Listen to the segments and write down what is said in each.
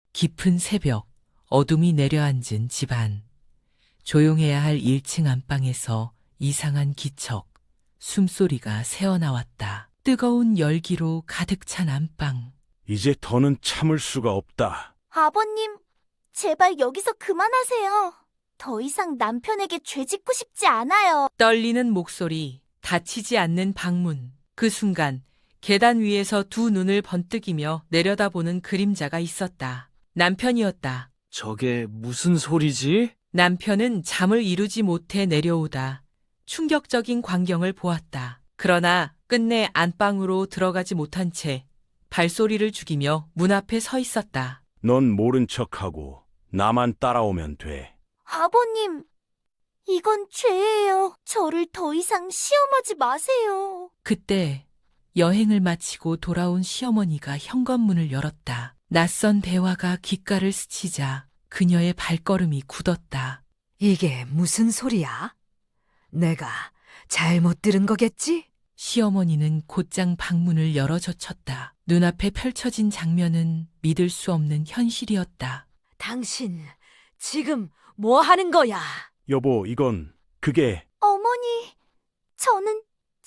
깊은 새벽, 어둠이 내려앉은 집안. 조용해야 할 1층 안방에서 이상한 기척, 숨소리가 새어나왔다. 뜨거운 열기로 가득 찬 안방. 이제 더는 참을 수가 없다. 아버님, 제발 여기서 그만하세요. 더 이상 남편에게 죄 짓고 싶지 않아요. 떨리는 목소리, 닫히지 않는 방문. 그 순간 계단 위에서 두 눈을 번뜩이며 내려다보는 그림자가 있었다. 남편이었다. 저게 무슨 소리지? 남편은 잠을 이루지 못해 내려오다 충격적인 광경을 보았다. 그러나 끝내 안방으로 들어가지 못한 채 발소리를 죽이며 문 앞에 서 있었다. 넌 모른 척하고 나만 따라오면 돼. 아버님, 이건 죄예요. 저를 더 이상 시험하지 마세요. 그때 여행을 마치고 돌아온 시어머니가 현관문을 열었다. 낯선 대화가 귓가를 스치자 그녀의 발걸음이 굳었다. 이게 무슨 소리야? 내가 잘못 들은 거겠지? 시어머니는 곧장 방문을 열어젖혔다. 눈앞에 펼쳐진 장면은 믿을 수 없는 현실이었다. 당신 지금 뭐 하는 거야? 여보, 그게 어머니, 저는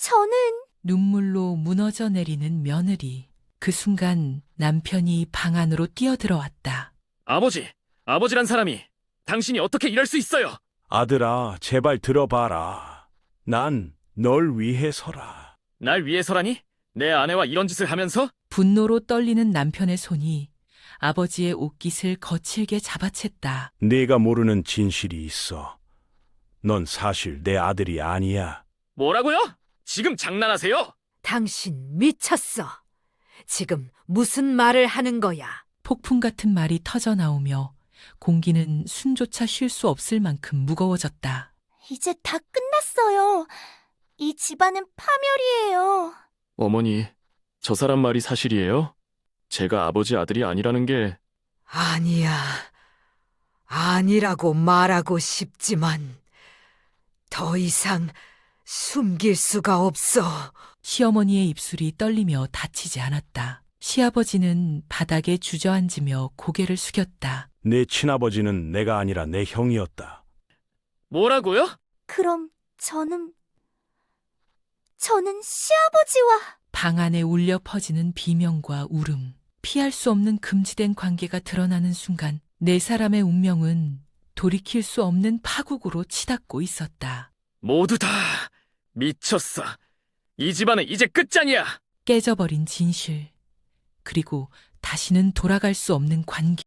눈물로 무너져 내리는 며느리. 그 순간 남편이 방 안으로 뛰어들어왔다. 아버지란 사람이 당신이 어떻게 이럴 수 있어요? 아들아, 제발 들어봐라. 난 널 위해서라. 날 위해서라니? 내 아내와 이런 짓을 하면서? 분노로 떨리는 남편의 손이 아버지의 옷깃을 거칠게 잡아챘다. 네가 모르는 진실이 있어. 넌 사실 내 아들이 아니야. 뭐라고요? 지금 장난하세요? 당신 미쳤어. 지금 무슨 말을 하는 거야? 폭풍 같은 말이 터져 나오며 공기는 숨조차 쉴 수 없을 만큼 무거워졌다. 이제 다 끝났어요. 이 집안은 파멸이에요. 어머니, 저 사람 말이 사실이에요? 제가 아버지 아들이 아니라는 게 아니야. 아니라고 말하고 싶지만 더 이상 숨길 수가 없어. 시어머니의 입술이 떨리며 닫히지 않았다. 시아버지는 바닥에 주저앉으며 고개를 숙였다. 내 친아버지는 내가 아니라 내 형이었다. 뭐라고요? 그럼 저는 시아버지와 방 안에 울려 퍼지는 비명과 울음, 피할 수 없는 금지된 관계가 드러나는 순간 네 사람의 운명은 돌이킬 수 없는 파국으로 치닫고 있었다. 모두 다 미쳤어. 이 집안은 이제 끝장이야. 깨져버린 진실, 그리고 다시는 돌아갈 수 없는 관계.